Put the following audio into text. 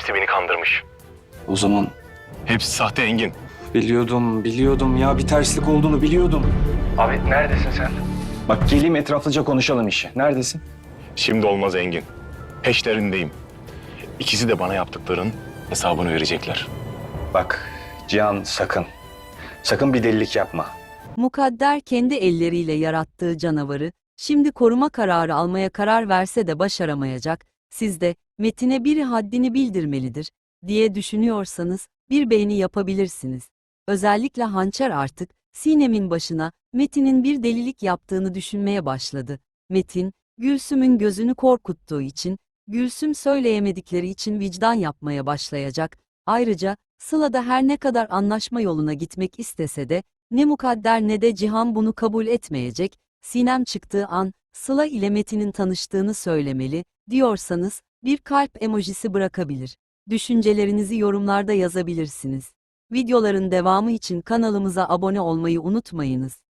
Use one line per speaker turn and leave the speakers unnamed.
Hepsi beni kandırmış.
O zaman
Hepsi sahte Engin.
biliyordum ya, bir terslik olduğunu biliyordum.
Abi neredesin sen?
Bak geleyim etraflıca konuşalım işi. Neredesin?
Şimdi olmaz Engin. Peşlerindeyim. İkisi de bana yaptıkların hesabını verecekler.
Bak Cihan sakın. Sakın bir delilik yapma.
Mukadder kendi elleriyle yarattığı canavarı, şimdi koruma kararı almaya karar verse de başaramayacak, siz de, Metin'e biri haddini bildirmelidir, diye düşünüyorsanız, bir beğeni yapabilirsiniz. Özellikle Hançer artık, Sinem'in başına, Metin'in bir delilik yaptığını düşünmeye başladı. Metin, Gülsüm'ün gözünü korkuttuğu için, Gülsüm söyleyemedikleri için vicdan yapmaya başlayacak. Ayrıca, Sıla da her ne kadar anlaşma yoluna gitmek istese de, ne Mukadder ne de Cihan bunu kabul etmeyecek. Sinem çıktığı an, Sıla ile Metin'in tanıştığını söylemeli, diyorsanız, bir kalp emojisi bırakabilir. Düşüncelerinizi yorumlarda yazabilirsiniz. Videoların devamı için kanalımıza abone olmayı unutmayınız.